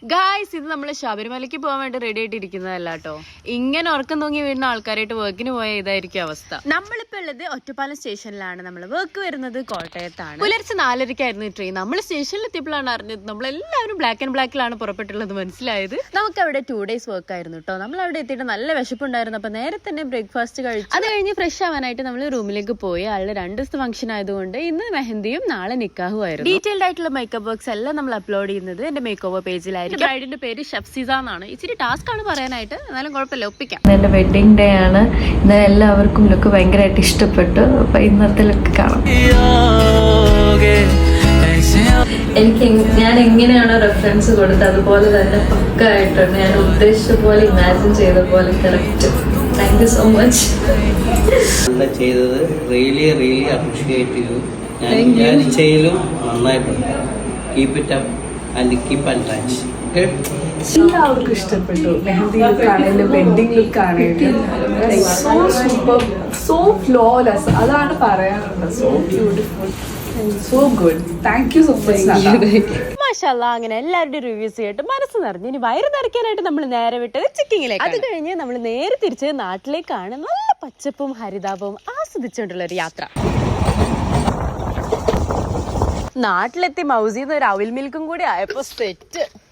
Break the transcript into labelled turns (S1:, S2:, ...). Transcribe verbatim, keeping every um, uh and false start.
S1: Guys, ഇത് നമ്മൾ ശബരിമലയ്ക്ക് പോകാൻ വേണ്ടി റെഡി ആയിട്ടിരിക്കുന്നതല്ല കേട്ടോ. ഇങ്ങനെ ഉറക്കം തൂങ്ങി വീഴുന്ന ആൾക്കാരായിട്ട് വർക്കിന് പോയ ഇതായിരിക്കും അവസ്ഥ. നമ്മളിപ്പോ ഉള്ളത് ഒറ്റപ്പാലം സ്റ്റേഷനിലാണ്. നമ്മൾ വർക്ക് വരുന്നത് കോട്ടയത്താണ്. പുലർച്ചെ നാലരക്കായിരുന്നു ട്രെയിൻ. നമ്മൾ സ്റ്റേഷനിൽ എത്തിയപ്പോഴാണ് അറിഞ്ഞത് നമ്മളെല്ലാവരും ബ്ലാക്ക് ആൻഡ് ബ്ലാക്കിലാണ് പുറപ്പെട്ടുള്ളത് മനസ്സിലായത്. നമുക്ക് അവിടെ ടു ഡേയ്സ് വർക്ക് ആയിരുന്നു കേട്ടോ. നമ്മൾ അവിടെ എത്തിയിട്ട് നല്ല വിശപ്പുണ്ടായിരുന്നു. അപ്പൊ നേരെ തന്നെ ബ്രേക്ക്ഫാസ്റ്റ് കഴിച്ചു. അത് കഴിഞ്ഞ് ഫ്രഷ് ആവാനായിട്ട് നമ്മൾ റൂമിലേക്ക് പോയി. ആളുടെ രണ്ട് ദിവസത്തെ ഫംഗ്ഷൻ ആയതുകൊണ്ട് ഇന്ന് മെഹന്തിയും നാളെ നിക്കാഹും ആയിരുന്നു. ഡീറ്റെയിൽഡ് ആയിട്ടുള്ള മേക്കപ്പ് വർക്ക്സ് എല്ലാം നമ്മൾ അപ്ലോഡ് ചെയ്യുന്നത് എന്റെ മേക്ക് ഓവർ പേജിലായിരിക്കും. ബ്രൈഡിന്റെ പേര് ഷഫ്സീസ എന്നാണ്. ഇച്ചിരി ടാസ്ക് ആണ് പറയാനായിട്ട്, എന്നാലും കുഴപ്പമില്ല, ഒപ്പിക്കാം.
S2: എന്റെ വെഡിങ് ഡേ ആണ്. ഇന്നലെ എല്ലാവർക്കും ലുക്ക് ഭയങ്കരമായിട്ട് ഇഷ്ടപ്പെട്ടു. അപ്പൊ ഇന്നത്തെ ലുക്ക് കാണാം. എനിക്ക് ഞാൻ എങ്ങനെയാണോ റെഫറൻസ് കൊടുത്തത് അതുപോലെ തന്നെ പക്കായിട്ടുണ്ട്. ഞാൻ ഉദ്ദേശിച്ച പോലെ ഇമാജിൻ ചെയ്ത പോലെ correct. Thank you so much.
S3: ചെയ്തത് റിയലി റിയലി അപ്രീഷിയേറ്റ് ചെയ്തു. ഞാൻ വിചാരിച്ചതിലും നന്നായിട്ടുണ്ട്. Keep it up and keep and touch.
S4: എല്ലാവർക്കും ഇഷ്ടപ്പെട്ടു. മെഹന്തി ലുക്ക് ആണെങ്കിലും വെഡിങ് ലുക്ക് ആണെങ്കിലും സോ സൂപ്പർ, സോ ഫ്ലോലെസ്. അതാണ് പറയാനുള്ളത്. So beautiful, so good. Thank you so much.
S1: മാഷാല്ലാ, അങ്ങനെ എല്ലാവരുടെയും റിവ്യൂസ് കേട്ട് മനസ്സ് നിറഞ്ഞു. ഇനി വയറ് നിറയ്ക്കാനായിട്ട് നമ്മൾ നേരെ വിട്ടത് ചിക്കിങ്ങിലേക്ക്. അത് കഴിഞ്ഞ് നമ്മൾ നേരെ തിരിച്ച് നാട്ടിലേക്കാണ്. നല്ല പച്ചപ്പും ഹരിതാപവും ആസ്വദിച്ചുകൊണ്ടുള്ള ഒരു യാത്ര. നാട്ടിലെത്തി മൗസിന്ന് ഒരു അവിൽ മിൽക്കും കൂടി ആയപ്പോ സെറ്റ്.